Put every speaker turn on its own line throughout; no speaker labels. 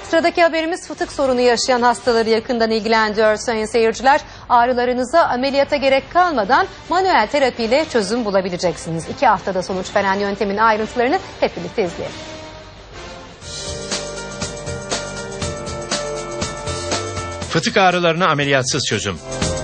Sıradaki haberimiz fıtık sorunu yaşayan hastaları yakından ilgilendiriyor sayın seyirciler. Ağrılarınıza ameliyata gerek kalmadan manuel terapiyle çözüm bulabileceksiniz. 2 haftada sonuç veren yöntemin ayrıntılarını hep birlikte izleyelim.
Fıtık ağrılarına ameliyatsız çözüm.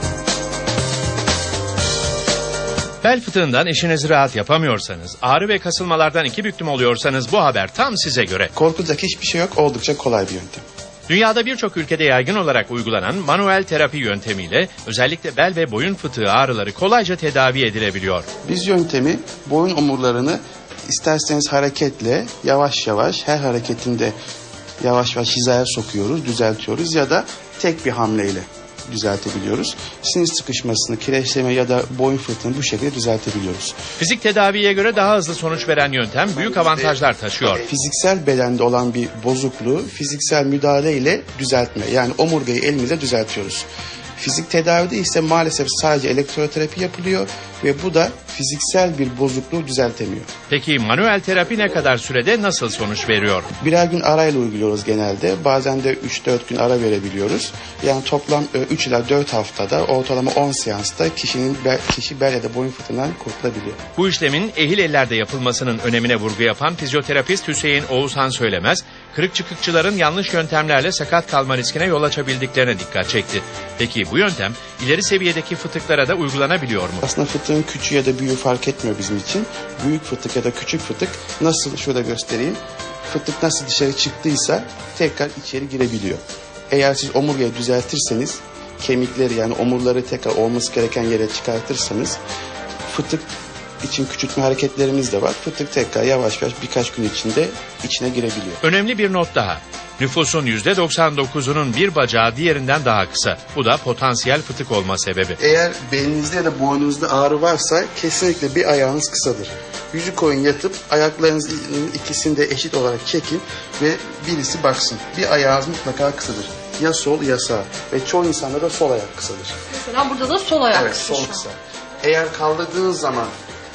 Bel fıtığından işinizi rahat yapamıyorsanız, ağrı ve kasılmalardan iki büklüm oluyorsanız bu haber tam size göre.
Korkulacak hiçbir şey yok, oldukça kolay bir yöntem.
Dünyada birçok ülkede yaygın olarak uygulanan manuel terapi yöntemiyle özellikle bel ve boyun fıtığı ağrıları kolayca tedavi edilebiliyor.
Biz yöntemi boyun omurlarını isterseniz hareketle yavaş yavaş her hareketinde yavaş yavaş hizaya sokuyoruz, düzeltiyoruz ya da tek bir hamleyle düzeltebiliyoruz. Sinir sıkışmasını, kireçleme ya da boyun fıtığını bu şekilde düzeltebiliyoruz.
Fizik tedaviye göre daha hızlı sonuç veren yöntem büyük avantajlar taşıyor.
Fiziksel bedende olan bir bozukluğu fiziksel müdahale ile düzeltme. Yani omurgayı elimizle düzeltiyoruz. Fizik tedavide ise maalesef sadece elektroterapi yapılıyor ve bu da fiziksel bir bozukluğu düzeltemiyor.
Peki manuel terapi ne kadar sürede nasıl sonuç veriyor?
Birer gün arayla uyguluyoruz genelde. Bazen de 3-4 gün ara verebiliyoruz. Yani toplam 3 ila 4 haftada ortalama 10 seansta kişi bel ya da boyun fıtığından kurtulabiliyor.
Bu işlemin ehil ellerde yapılmasının önemine vurgu yapan fizyoterapist Hüseyin Oğuzhan Söylemez, kırık çıkıkçıların yanlış yöntemlerle sakat kalma riskine yol açabildiklerine dikkat çekti. Peki bu yöntem ileri seviyedeki fıtıklara da uygulanabiliyor mu?
Aslında fıtığın küçüğü ya da büyüğü fark etmiyor bizim için. Büyük fıtık ya da küçük fıtık nasıl, şurada göstereyim. Fıtık nasıl dışarı çıktıysa tekrar içeri girebiliyor. Eğer siz omurgayı düzeltirseniz, kemikleri yani omurları tekrar olması gereken yere çıkartırsanız, fıtık için küçültme hareketlerimiz de var. Fıtık tekrar yavaş yavaş birkaç gün içinde içine girebiliyor.
Önemli bir not daha. Nüfusun %99'unun bir bacağı diğerinden daha kısa. Bu da potansiyel fıtık olma sebebi.
Eğer belinizde ya da boynunuzda ağrı varsa kesinlikle bir ayağınız kısadır. Yüzü koyun yatıp ayaklarınızın ikisini de eşit olarak çekin ve birisi baksın. Bir ayağınız mutlaka kısadır. Ya sol ya sağ ve çoğu insanda da sol ayak kısadır.
Mesela burada da sol ayak
Evet, sol kısa. Eğer kaldırdığınız zaman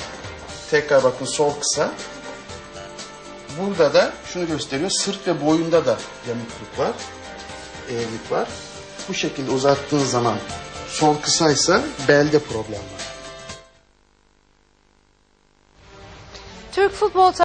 tekrar bakın sol kısa. Burada da şunu gösteriyor. Sırt ve boyunda da yamukluk var. Eğrilik var. Bu şekilde uzattığınız zaman sol kısaysa belde problem var.
Türk futbol